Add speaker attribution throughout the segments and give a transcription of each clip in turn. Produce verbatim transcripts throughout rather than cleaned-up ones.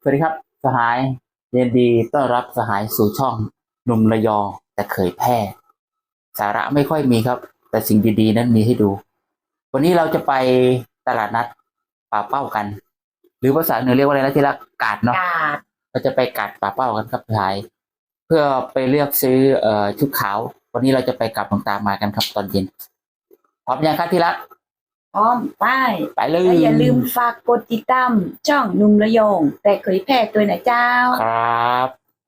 Speaker 1: สวัสดีครับสหายยินดีต้อนรับสหายสู่ช่องหนุ่มระยองแต่เคยแพร่สาระไม่ค่อยมีครับแต่สิ่งดีๆนั้นมีให้ดูวันนี้เราจะไปตลาดนัดป่าเป้ากัน หรือภาษาเหนือเรียกว่าอะไรนะที่ละกาดเนาะเราจะไปกาดป่าเป้ากันครับสหายเพื่อไปเลือกซื้อเอ่อชุดขาววันนี้เราจะไปกับหลวงตามากันครับตอนเย็นพร้อมยังครับที่รัก
Speaker 2: พร้อมไป
Speaker 1: ไปเลย
Speaker 2: และอย่าลืมฝากกดติดตามช่องหนุ่มระยองแต่เคยแพ้ตัวนะเจ้า
Speaker 1: ครับ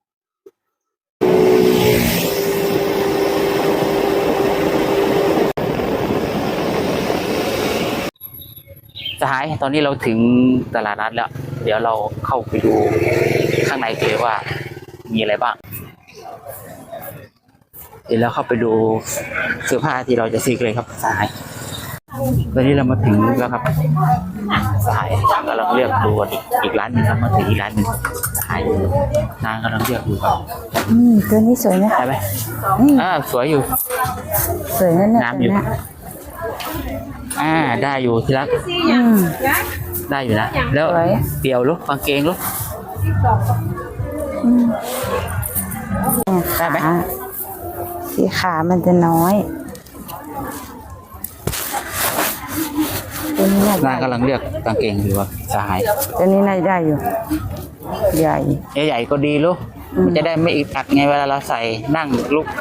Speaker 1: สหายตอนนี้เราถึงตลาดนัดแล้วเดี๋ยวเราเข้าไปดูข้างในกันเลยว่ามีอะไรบ้างเดี๋ยวเราเข้าไปดูเสื้อผ้าที่เราจะซื้อเลยครับสหายตอนนี้เรามาถึงแล้วครับสหายกำลังเลือกดูอีกอีกร้านนึงครับมาถึงอีกร้านนึงสหายนางกำลังเลือกดูครับ
Speaker 2: อืมตัวนี้สวยนะ
Speaker 1: ได้ไหมอ่าสวยอยู่
Speaker 2: สวยนั่นแหละ
Speaker 1: น้ำอยู่อ่าได้อยู่ที่รัก
Speaker 2: อืม
Speaker 1: ได้อยู่นะแล้วเปี่ยวลูกกางเกงลูกได้ไหม
Speaker 2: สีขามันจะน้อยตัวนี้น่าน
Speaker 1: างกำลังเลือกกางเกงอยู่ว่าสหาย
Speaker 2: ตัวนี้น่าได้อยู่ใหญ่
Speaker 1: ใหญ่ก็ดีลูกมันจะได้ไม่อึดอัดไงเวลาเราใส่นั่งลุก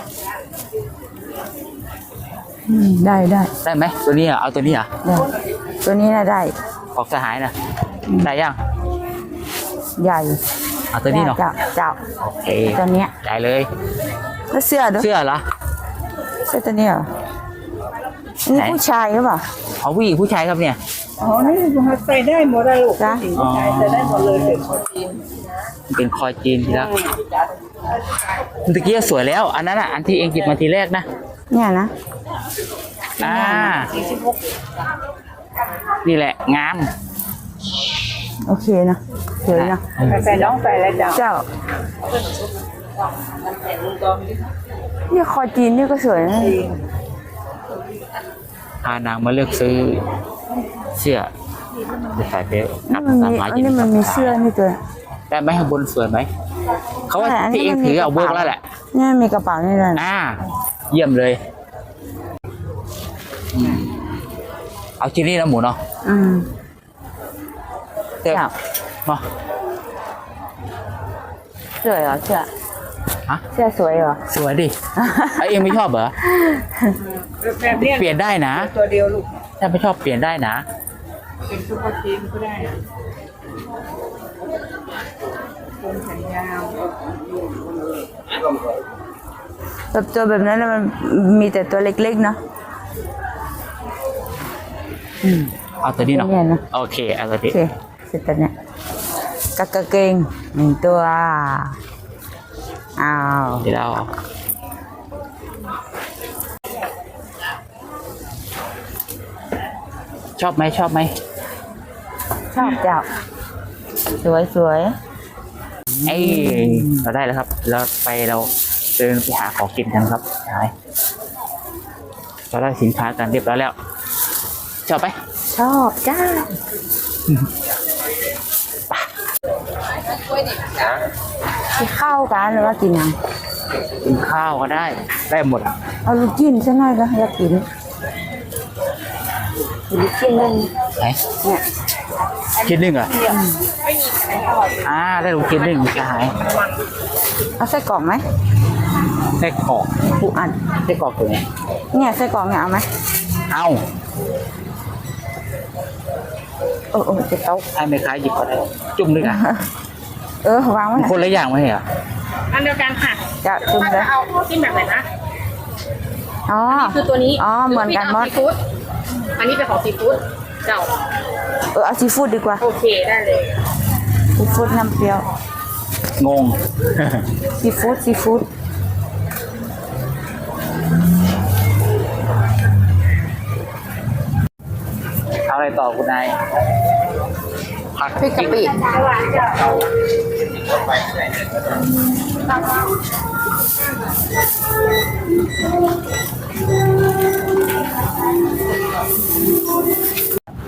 Speaker 2: ได้ได้
Speaker 1: ได้ไหมตัวนี้อ่ะเอาตัวนี้อ่ะ
Speaker 2: ตัวนี้น่าได้
Speaker 1: ออกสหายนะได้ยัง
Speaker 2: ใหญ่
Speaker 1: เอาตัวนี้เนาะ
Speaker 2: เจ้าเจ้า
Speaker 1: โอเค
Speaker 2: ตัวเนี้ย
Speaker 1: ได้เลย
Speaker 2: แล้วเสื้อด้วย
Speaker 1: เสื้อเหรอ
Speaker 2: เสื้อตัวนี้เหรอนี่ผู้ชายหรือเปล่า
Speaker 1: เอาผู้หญิงผู้ชายครับเนี่ย
Speaker 2: อ๋อนี่ใส่ได้หมดเลยลูกจ้ะผู้ชายใส่ได้หมดเลยเป็นคอจีน
Speaker 1: เป็นคอจีนทีละเมื่อกี้สวยแล้วอันนั้นอ่ะอันที่เองจิบมาทีแรกนะ
Speaker 2: เนี่ยนะ
Speaker 1: อ่านี่แหละงาม
Speaker 2: โอเคนะสวยนะใส่น้องใส่อะไรเจ้าเจ้านี่คอจีนนี่ก็สวยนะ
Speaker 1: พานางมาเลือกซื้อเสื้อจะใส่ไป
Speaker 2: อันนี้มันมีเสื้อนี่ตัว
Speaker 1: ได้ไหมข้างบนสวยไหมเขาว่าที่เองถือเอาเบิกแล้วแหละ
Speaker 2: นี่มีกระเป๋านี่เลย
Speaker 1: อ่าเยี่ยมเลยเอาชิ้นนี้นะหมูเนาะ
Speaker 2: อืม
Speaker 1: เสื้อเนาะ
Speaker 2: สวยเหรอเสื้อ
Speaker 1: ฮะ
Speaker 2: เสื้อสวยเหรอ
Speaker 1: สวยดิไอเองไม่ชอบเหรอเปลี่ยนได้นะ
Speaker 2: ตัวเดียวลูก
Speaker 1: ถ้าไม่ชอบเปลี่ยนได้นะ
Speaker 2: เป็นซุปเปอร์จีนก็ได้คนแขนยาวแบบตัวแบบนั้นมันมีแต่ตัวเล็กๆเนาะ
Speaker 1: เอาตัวนี้เนาะโอเคเอาตัวนี้
Speaker 2: โอเคเสร็จแล้วเนี่ยกางเกงหนึ่งตัวอ้าว
Speaker 1: เดี๋ยวเราชอบไหมชอบไหม
Speaker 2: ชอบเจ้าสวยสวย
Speaker 1: เอ้เราได้แล้วครับเราไปเราเดินไปหาของกินกันครับใช่เราได้สินค้ากันเรียบร้อยแล้วชอบไหม
Speaker 2: ชอบจ้ากินข้าวกันหรือว่ากินยัง
Speaker 1: กินข้าวก็ได้ได้หมด
Speaker 2: เอาลูกจิ้นใช่ไหมก็อยากกินลูกจิ้นนึง
Speaker 1: ไหนเนี่ยชิ้นหนึ่งเหรออ่าได้ลูกชิ้นหนึ่งจะหาย
Speaker 2: เอาไส้กรอกไหม
Speaker 1: ไส้กรอก
Speaker 2: ผู้อัน
Speaker 1: ไส้กรอกตัวนี้
Speaker 2: เนี่ยไส้กรอกเนี่ยเอาไหม
Speaker 1: เอา
Speaker 2: เออเออจะเต้า
Speaker 1: ให้ไม่คล้ายหยิบก็ได้จุ่มด้วยกัน
Speaker 2: เออวางไว้
Speaker 1: คนละอย่างไหมเหรอ
Speaker 3: อันเดียวกันค่ะ
Speaker 2: จะจุ่มเลย
Speaker 3: เอาจิ้มแบบไหนนะ
Speaker 2: อ๋อ
Speaker 3: คือตัวนี้
Speaker 2: อ๋อเหมือนกันหมด
Speaker 3: อันนี้เป็นของซีฟู้ดเจ้า
Speaker 2: เออเอาซีฟู้ดดีกว่า
Speaker 3: โอเคได้เลย
Speaker 2: ซีฟู้ดน้ำเปรี้ยว
Speaker 1: งง
Speaker 2: ซีฟู้ดซีฟู้ด
Speaker 1: เอาอะไรต่อคุณนายผัก
Speaker 2: พริกกะปิ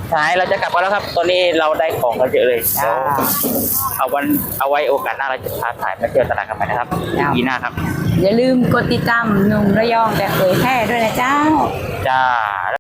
Speaker 1: สหายเราจะกลับกันแล้วครับ ตอนนี้เราได้ของกันเยอะเลย
Speaker 2: จ้า
Speaker 1: เอาวันเอาไว้โอกาสหน้าเราจะพาถ่ายมาเที่ยวตลาดกันไปนะครับ
Speaker 2: จ้า
Speaker 1: ปีหน้าครับ
Speaker 2: อย่าลืมกดติดตามหนุ่มระยองแต่เผยแพร่ด้วยนะเจ้า
Speaker 1: จ้า